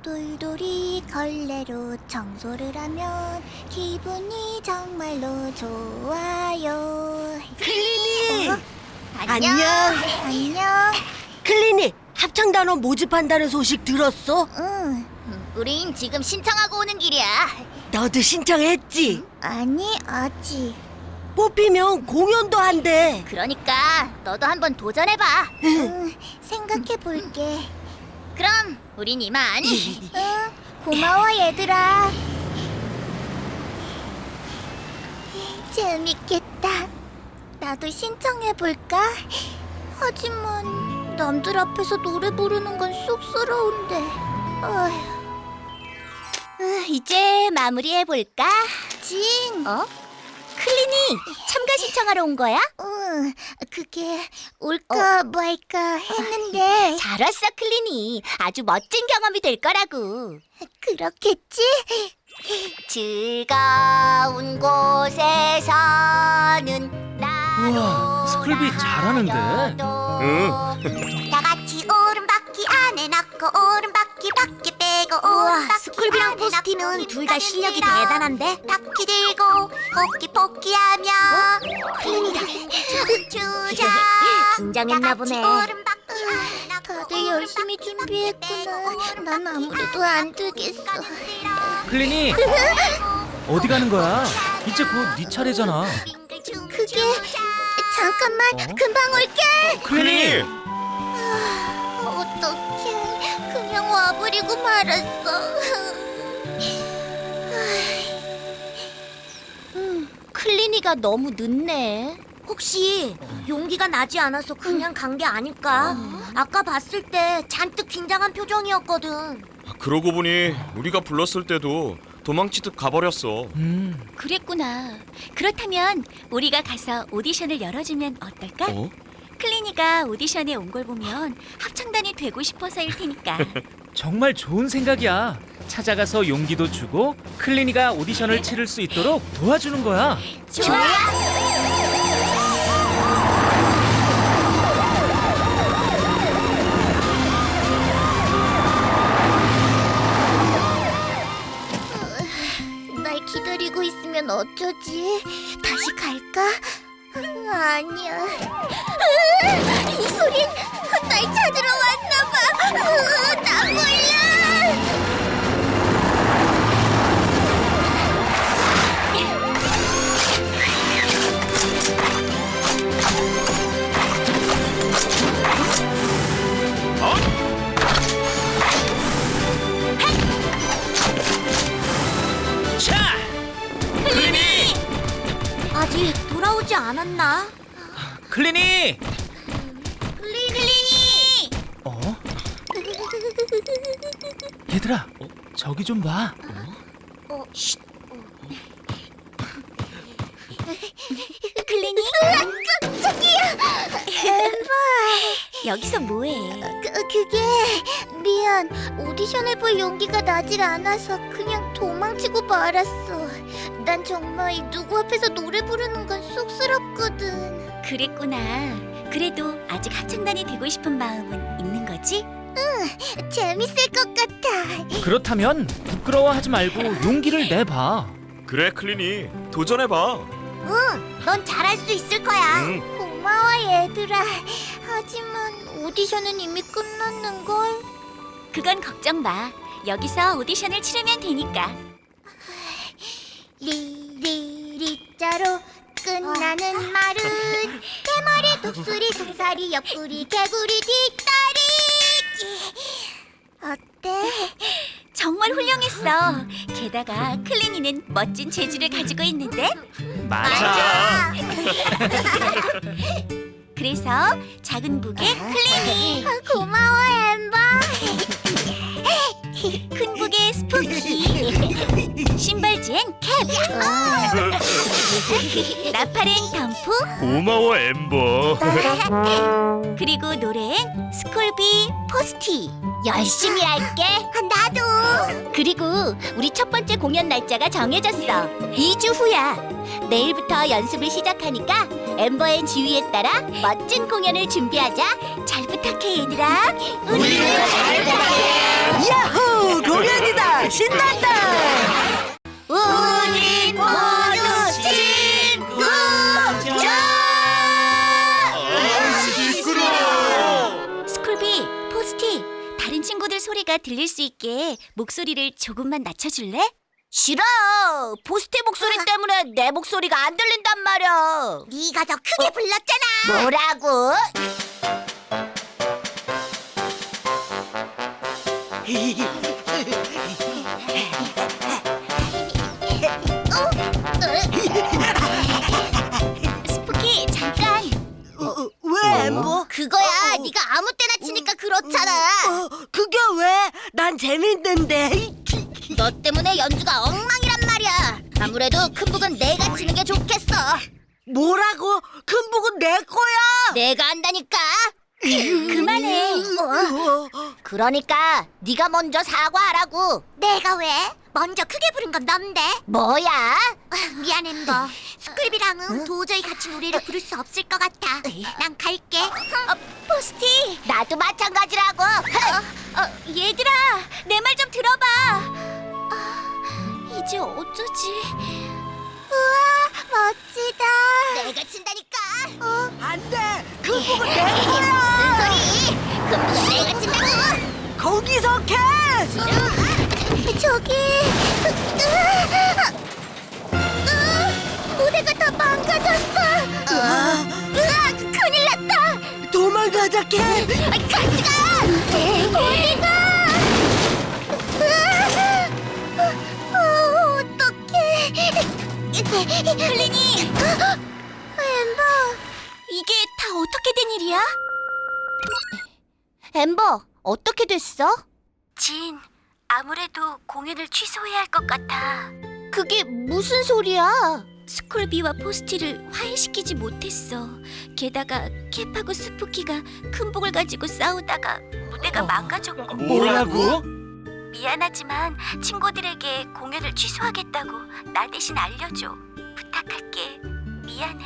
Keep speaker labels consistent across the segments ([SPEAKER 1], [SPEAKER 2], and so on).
[SPEAKER 1] 돌돌이 걸레로 청소를 하면 기분이 정말로 좋아요.
[SPEAKER 2] 클리니!
[SPEAKER 1] 안녕. 안녕.
[SPEAKER 2] 클리니! 합창단원 모집한다는 소식 들었어?
[SPEAKER 1] 응. 우린 지금 신청하고 오는 길이야.
[SPEAKER 2] 너도 신청했지?
[SPEAKER 1] 아니, 아직.
[SPEAKER 2] 뽑히면 공연도 한대.
[SPEAKER 1] 그러니까 너도 한번 도전해봐. 응, 생각해볼게. 그럼 우린 이만. 응, 고마워 얘들아. 재밌겠다. 나도 신청해볼까? 하지만 남들 앞에서 노래 부르는 건 쑥스러운데. 어휴. 이제 마무리해볼까? 진! 어? 클리니, 참가 신청하러 온 거야? 응, 그게 올까 말까 했는데. 잘 왔어, 클리니. 아주 멋진 경험이 될 거라고. 그렇겠지? 즐거운 곳에서는
[SPEAKER 3] 우와, 스쿨비 잘하는데?
[SPEAKER 1] 다 같이 오른바퀴 안에 넣고 오른바퀴 밖에 빼고 오른바퀴 스쿨비랑 포스티는 둘 다 실력이 대단한데? 바퀴 들고 포끼포끼하며 클린이다 춤추자 긴장했나 보네. 다들 열심히 준비했구나. 난 아무래도 안 되겠어.
[SPEAKER 3] 클리니! 어디 가는 거야? 이제 곧 네 차례잖아.
[SPEAKER 1] 그게 잠깐만 금방 올게.
[SPEAKER 3] 클리니!
[SPEAKER 1] 어떡해. 그냥 와버리고 말았어. 클리니가 너무 늦네. 혹시 용기가 나지 않아서 그냥 간 게 아닐까? 아까 봤을 때 잔뜩 긴장한 표정이었거든.
[SPEAKER 4] 그러고 보니 우리가 불렀을 때도 도망치듯 가버렸어.
[SPEAKER 5] 그랬구나. 그렇다면 우리가 가서 오디션을 열어주면 어떨까?
[SPEAKER 4] 어?
[SPEAKER 5] 클리니가 오디션에 온 걸 보면 합창단이 되고 싶어서일 테니까.
[SPEAKER 3] 정말 좋은 생각이야. 찾아가서 용기도 주고 클리니가 오디션을 치를 수 있도록 도와주는 거야.
[SPEAKER 5] 좋아.
[SPEAKER 1] 날 기다리고 있으면 어쩌지? 다시 갈까? 아니야. 이 소린 날 찾으러 왔나봐. 나 몰라.
[SPEAKER 3] 차! 클리니!
[SPEAKER 1] 아직 돌아오지 않았나?
[SPEAKER 3] 클리니!
[SPEAKER 1] 클리니!
[SPEAKER 3] 어? 얘들아, 저기 좀 봐.
[SPEAKER 5] 클리니?
[SPEAKER 1] 깜짝이야! 엠버!
[SPEAKER 5] 여기서 뭐해?
[SPEAKER 1] 그게 미안. 오디션을 볼 용기가 나질 않아서 그냥 도망치고 말았어. 난 정말 누구 앞에서 노래 부르는 건 쑥스럽거든.
[SPEAKER 5] 그랬구나. 그래도 아직 합창단이 되고 싶은 마음은 있는 거지?
[SPEAKER 1] 재밌을 것 같아.
[SPEAKER 3] 그렇다면 부끄러워하지 말고 용기를 내봐.
[SPEAKER 4] 그래 클리니 도전해봐.
[SPEAKER 1] 응, 넌 잘할 수 있을 거야.
[SPEAKER 4] 응.
[SPEAKER 1] 고마워 얘들아. 하지만 오디션은 이미 끝났는걸.
[SPEAKER 5] 그건 걱정 마. 여기서 오디션을 치르면 되니까.
[SPEAKER 1] 리리리자로 끝나는 말은 대머리 독수리 송사리 옆구리 개구리 뒷다리. 어때?
[SPEAKER 5] 정말 훌륭했어. 게다가 클리니는 멋진 재주를 가지고 있는데.
[SPEAKER 3] 맞아.
[SPEAKER 5] 그래서 작은 북의 클리니,
[SPEAKER 1] 고마워 엠버.
[SPEAKER 5] 큰 북의 스푸키, 신발지엔 캡, 나팔엔 덤프,
[SPEAKER 4] 고마워 엠버.
[SPEAKER 5] 그리고 노래엔 스콜비 포스티.
[SPEAKER 1] 열심히 할게. 나도.
[SPEAKER 5] 그리고 우리 첫 번째 공연 날짜가 정해졌어. 2주 후야. 내일부터 연습을 시작하니까 엠버의 지휘에 따라 멋진 공연을 준비하자. 잘 부탁해 얘들아.
[SPEAKER 2] 야호! 우와, 신난다.
[SPEAKER 5] 우린 모두 친구죠.
[SPEAKER 4] 시끄러.
[SPEAKER 5] 스쿨비, 포스티, 다른 친구들 소리가 들릴 수 있게 목소리를 조금만 낮춰줄래? 싫어. 포스티 목소리 때문에 내 목소리가 안 들린단 말이야. 네가 더 크게 불렀잖아. 뭐라고? 스푸키, 잠깐.
[SPEAKER 2] 왜, 엠버?
[SPEAKER 5] 그거야. 네가 아무 때나 치니까 그렇잖아.
[SPEAKER 2] 그게 왜? 난 재밌는데.
[SPEAKER 5] 너 때문에 연주가 엉망이란 말이야. 아무래도 큰 북은 내가 치는 게 좋겠어.
[SPEAKER 2] 뭐라고? 큰 북은 내 거야.
[SPEAKER 5] 내가 한다니까. 그만해. 그러니까 네가 먼저 사과하라고. 내가 왜? 먼저 크게 부른 건 넌데. 뭐야? 미안 엠버. 스쿨비랑은 도저히 같이 노래를 부를 수 없을 것 같아. 난 갈게. 포스티. 나도 마찬가지라고. 얘들아, 내 말 좀 들어봐. 이제 어쩌지? 우와, 멋지다. 내가 친다니까.
[SPEAKER 2] 안 돼. 큰 북은 내
[SPEAKER 5] 무슨
[SPEAKER 2] 거야.
[SPEAKER 5] 소리? 그럼 내가 친다고.
[SPEAKER 2] 거기서 캐.
[SPEAKER 5] 저기. 무대가 다 망가졌어. 큰일 났다.
[SPEAKER 2] 도망가자, 캐.
[SPEAKER 5] 같이 가. 어디 가? 어떡해. 클리니. 엠버. 이게 다 어떻게 된 일이야? 엠버, 어떻게 됐어? 진, 아무래도 공연을 취소해야 할 것 같아. 그게 무슨 소리야? 스쿨비와 포스티를 화해시키지 못했어. 게다가 캡하고 스푸키가 큰 복을 가지고 싸우다가 무대가 망가졌고.
[SPEAKER 3] 뭐라고?
[SPEAKER 5] 미안하지만 친구들에게 공연을 취소하겠다고 나 대신 알려줘. 부탁할게. 미안해.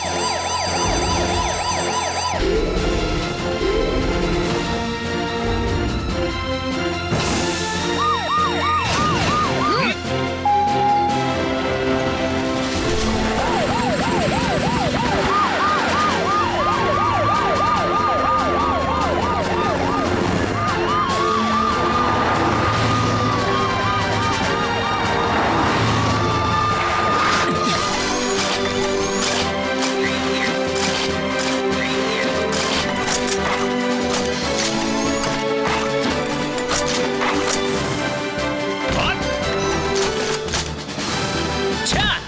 [SPEAKER 3] 자!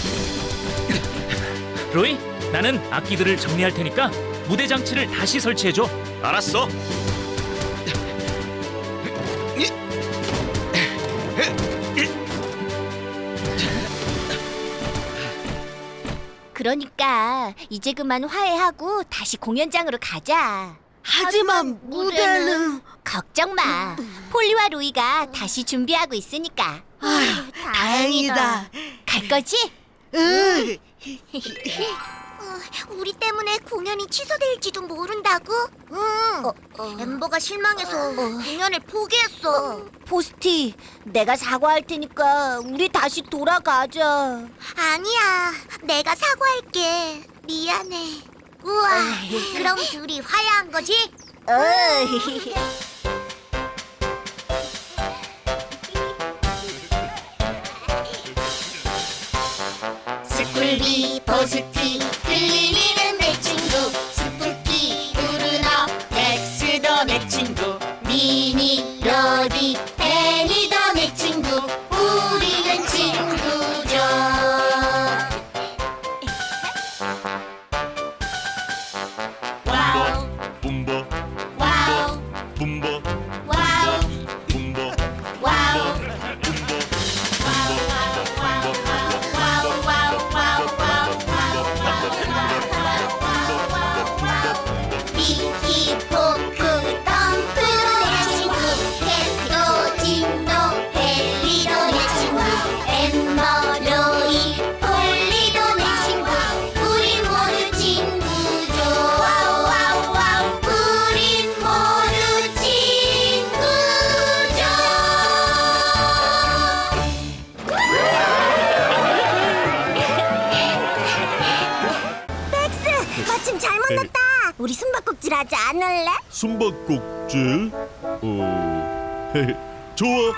[SPEAKER 3] 로이, 나는 악기들을 정리할 테니까 무대 장치를 다시 설치해줘.
[SPEAKER 4] 알았어.
[SPEAKER 5] 그러니까 이제 그만 화해하고 다시 공연장으로 가자.
[SPEAKER 2] 하지만 무대는.
[SPEAKER 5] 걱정 마. 폴리와 로이가 다시 준비하고 있으니까.
[SPEAKER 2] 다행이다.
[SPEAKER 5] 갈 거지?
[SPEAKER 2] 응.
[SPEAKER 5] 우리 때문에 공연이 취소될지도 모른다고? 응. 엠버가 실망해서 공연을 포기했어. 포스티, 내가 사과할 테니까 우리 다시 돌아가자. 아니야, 내가 사과할게. 미안해. 우와, 그럼 둘이 화해한 거지? 스쿨비, 포스티, 클리니는 내 친구. 스푸키, 우르너, 렉스도 내 친구. 미니, 로디, 베니도 내 친구. 우리는 친구죠. 와우,
[SPEAKER 4] 붐보
[SPEAKER 5] 와우,
[SPEAKER 4] 붐보
[SPEAKER 5] 와우,
[SPEAKER 4] 붐보
[SPEAKER 5] 와우. 미키, 포크, 덩크 내 친구. 캣도 숙제하지 않을래?
[SPEAKER 6] 숨바꼭질? 좋아.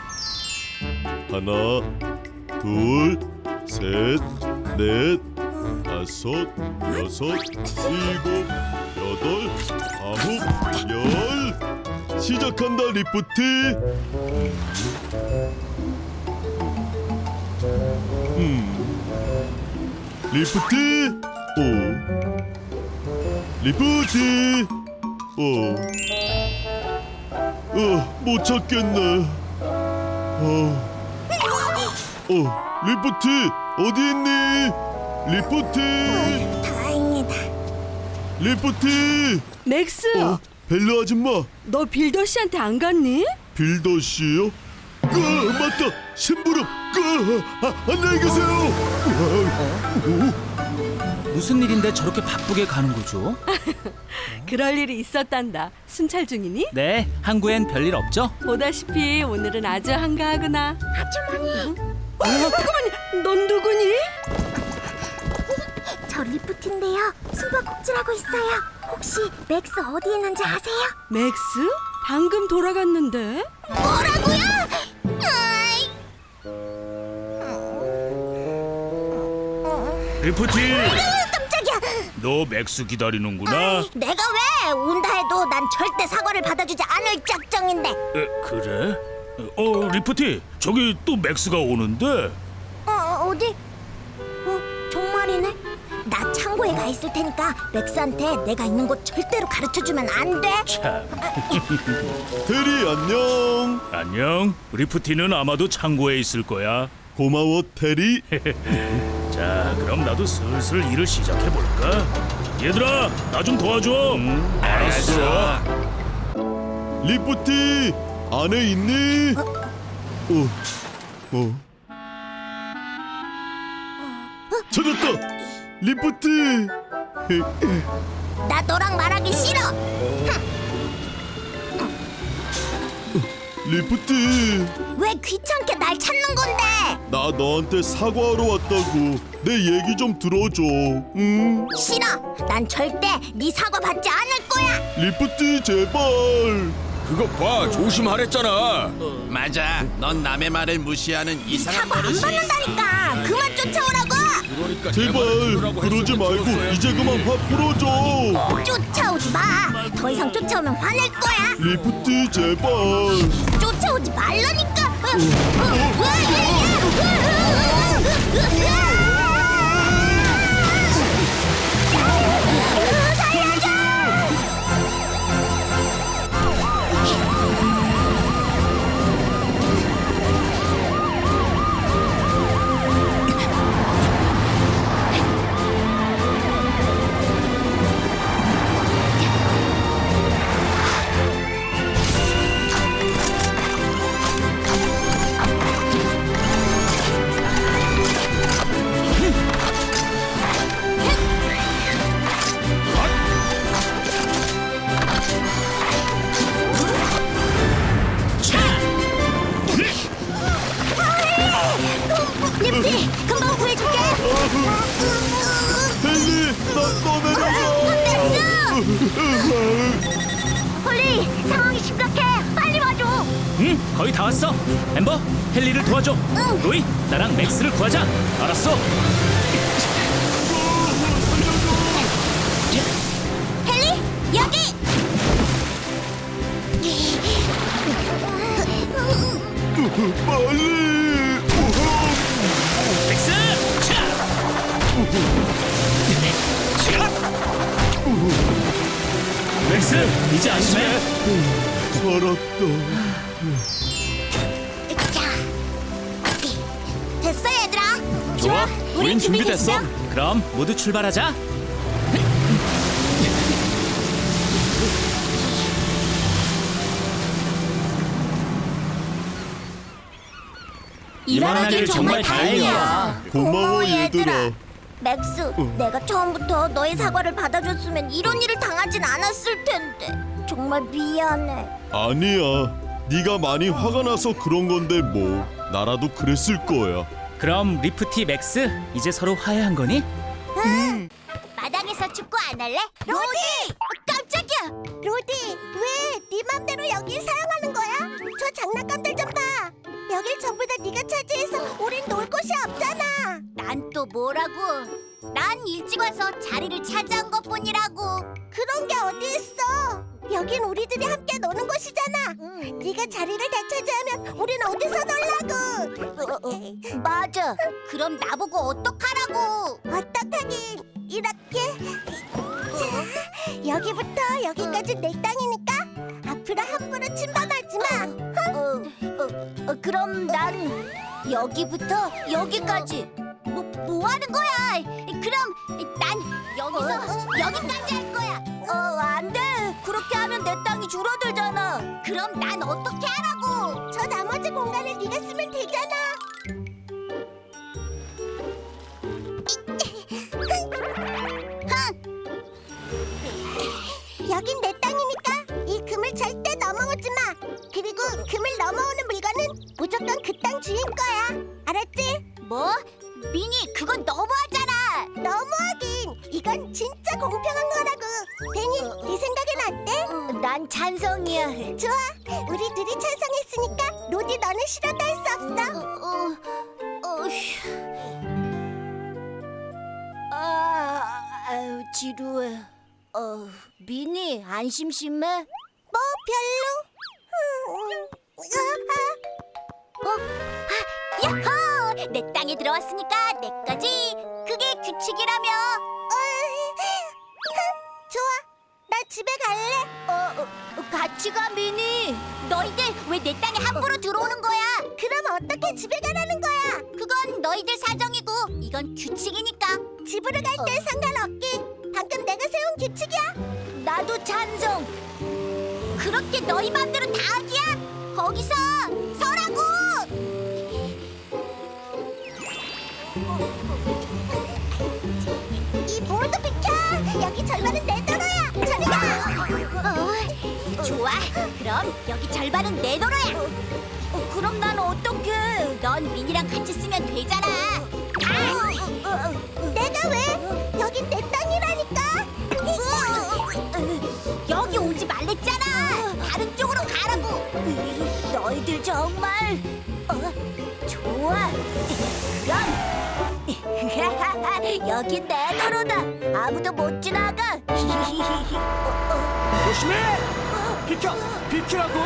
[SPEAKER 6] 하나, 둘, 셋, 넷, 다섯, 여섯, 일곱, 여덟, 아홉, 열. 시작한다, 리프티. 리프티. 리프티. 못 찾겠네. 리프티, 어디 있니? 리프티,
[SPEAKER 5] 다행이다.
[SPEAKER 6] 리프티.
[SPEAKER 7] 맥스,
[SPEAKER 6] 벨라 아줌마,
[SPEAKER 7] 너 빌더 씨한테 안 갔니?
[SPEAKER 6] 빌더 씨요? 맞다, 심부름. 안녕히 계세요.
[SPEAKER 3] 무슨 일인데 저렇게 바쁘게 가는 거죠?
[SPEAKER 7] 그럴 일이 있었단다. 순찰 중이니?
[SPEAKER 3] 네, 항구엔 별일 없죠?
[SPEAKER 7] 보다시피 오늘은 아주 한가하구나.
[SPEAKER 5] 아주머니,
[SPEAKER 7] 잠깐만, 넌 누구니?
[SPEAKER 5] 저 리프트인데요. 숨바꼭질하고 있어요. 혹시 맥스 어디 있는지 아세요?
[SPEAKER 7] 맥스? 방금 돌아갔는데?
[SPEAKER 5] 뭐라고요? 아이.
[SPEAKER 8] 리프티,
[SPEAKER 5] 깜짝이야.
[SPEAKER 8] 너 맥스 기다리는구나.
[SPEAKER 5] 내가 왜 온다 해도 난 절대 사과를 받아주지 않을 작정인데.
[SPEAKER 8] 그래? 리프티, 저기 또 맥스가 오는데.
[SPEAKER 5] 어디? 정말이네. 나 창고에 가 있을 테니까 맥스한테 내가 있는 곳 절대로 가르쳐주면 안 돼.
[SPEAKER 8] 참,
[SPEAKER 6] 테리 안녕.
[SPEAKER 8] 안녕. 리프티는 아마도 창고에 있을 거야.
[SPEAKER 6] 고마워, 테리.
[SPEAKER 8] 자, 그럼 나도 슬슬 일을 시작해 볼까? 얘들아, 나 좀 도와줘. 알았어.
[SPEAKER 6] 리프티, 안에 있니? 찾았다. 리프티.
[SPEAKER 5] 나 너랑 말하기 싫어.
[SPEAKER 6] 리프티,
[SPEAKER 5] 왜 귀찮게 날 찾는 건데?
[SPEAKER 6] 나 너한테 사과하러 왔다고. 내 얘기 좀 들어줘. 응?
[SPEAKER 5] 싫어. 난 절대 네 사과 받지 않을 거야.
[SPEAKER 6] 리프티, 제발.
[SPEAKER 4] 그거 봐, 조심하랬잖아.
[SPEAKER 9] 맞아. 넌 남의 말을 무시하는 이상한
[SPEAKER 5] 사과 안
[SPEAKER 9] 버릇이
[SPEAKER 5] 받는다니까. 그만 쫓아오라고.
[SPEAKER 4] 그러니까
[SPEAKER 6] 제발 그러지 말고 이제 그만 화 풀어줘.
[SPEAKER 5] 쫓아오지 마. 더 이상 쫓아오면 화낼 거야.
[SPEAKER 6] 리프티, 제발.
[SPEAKER 5] 쫓아오지 말라니까. 리프티, 금방 구해줄게.
[SPEAKER 6] 헨리, 나 떠내려가.
[SPEAKER 5] 홀리, 상황이 심각해. 빨리 와줘.
[SPEAKER 3] 응, 거의 다 왔어. 엠버, 헨리를 도와줘.
[SPEAKER 5] 응.
[SPEAKER 3] 로이, 나랑 맥스를 구하자. 알았어.
[SPEAKER 5] 헨리, 여기.
[SPEAKER 6] 빨리.
[SPEAKER 3] 맥스! 차! 맥스, 이제 안심해.
[SPEAKER 6] 살았다.
[SPEAKER 5] 자, 됐어 얘들아.
[SPEAKER 3] 좋아,
[SPEAKER 5] 우린 준비됐어.
[SPEAKER 3] 그럼 모두 출발하자.
[SPEAKER 5] 일어나길
[SPEAKER 3] 정말 다행이야.
[SPEAKER 6] 고마워, 얘들아.
[SPEAKER 5] 맥스, 내가 처음부터 너의 사과를 받아줬으면 이런 일을 당하진 않았을 텐데. 정말 미안해.
[SPEAKER 6] 아니야. 네가 많이 화가 나서 그런 건데 뭐. 나라도 그랬을 거야.
[SPEAKER 3] 그럼 리프티, 맥스, 이제 서로 화해한 거니?
[SPEAKER 5] 마당에서 축구 안 할래? 로디! 깜짝이야! 장난감들 좀 봐. 여길 전부 다 네가 차지해서 우린 놀 곳이 없잖아. 난 또 뭐라고? 난 일찍 와서 자리를 차지한 것뿐이라고. 그런 게 어디 있어? 여긴 우리들이 함께 노는 곳이잖아. 네가 자리를 다 차지하면 우린 어디서 놀라고? 맞아. 그럼 나보고 어떡하라고? 어떡하긴. 이렇게. 자, 여기부터 여기까지 내 땅이니까 앞으로 함부로 침범하지 마. 그럼 난 여기부터 여기까지. 뭐 하는 거야? 그럼 난 여기서 여기까지 할 거야. 안 돼. 그렇게 하면 내 땅이 줄어들잖아. 그럼 난 어떻게 하라고? 저 나머지 공간을 네가 쓰면 되잖아. 여긴 내 땅이니까 이 금을 절대 넘어오지 마. 그리고 금을 넘어오는 물건은 무조건 그 땅 주인 거야. 알았지? 뭐? 미니, 그건 너무하잖아. 너무하긴. 이건 진짜 공평한 거라고. 베니, 네 생각엔 어때? 난 찬성이야. 좋아. 우리 둘이 찬성했으니까 로디 너는 싫어도 할 수 없어. 지루해. 미니, 안 심심해? 뭐 별로. 야호! 내 땅에 들어왔으니까 내 거지. 그게 규칙이라며. 좋아. 나 집에 갈래. 같이 가, 미니. 너희들 왜 내 땅에 함부로 들어오는 거야? 그럼 어떻게 집에 가라는 거야? 그건 너희들 사정이고 이건 규칙이니까. 집으로 갈 때 상관없긴. 방금 내가 세운 규칙이야. 나도 찬성. 그렇게 너희 맘대로 다 하기야? 거기서 서라고. 이 모두 비켜! 여기 절반은 내 도로야! 저리 가! 좋아! 그럼 여기 절반은 내 도로야! 그럼 난 어떡해? 넌 민이랑 같이 쓰면 되잖아! 내가 왜? 여긴 내 땅이라니까! 여기 오지 말랬잖아! 다른 쪽으로 가라고! 너희들 정말... 좋아! 그럼... 여긴 내 도로다. 아무도 못 지나가.
[SPEAKER 3] 조심해! 비켜! 비키라고!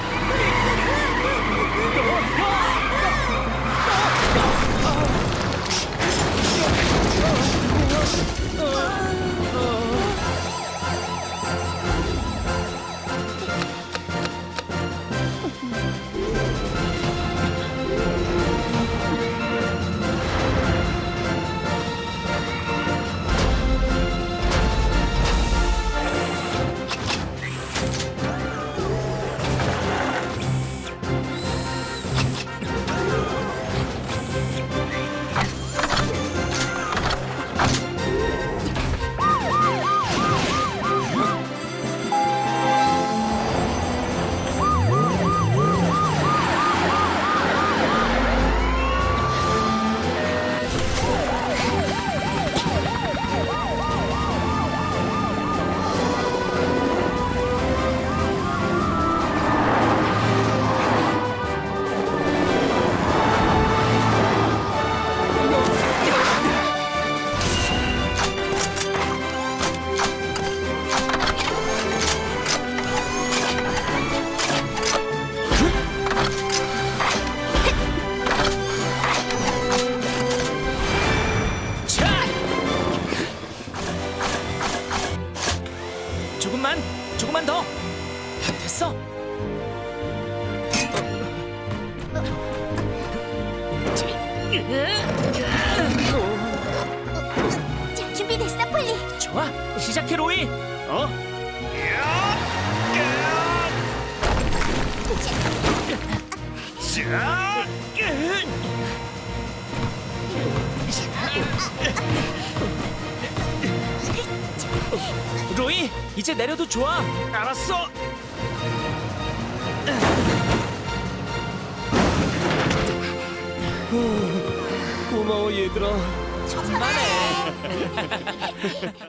[SPEAKER 3] 조금만 더. 됐어.
[SPEAKER 5] 자, 준비됐어, 폴리.
[SPEAKER 3] 좋아, 시작해 로이. 로이, 이제 내려도 좋아. 알았어.
[SPEAKER 6] 고마워 얘들아.
[SPEAKER 3] 천만에.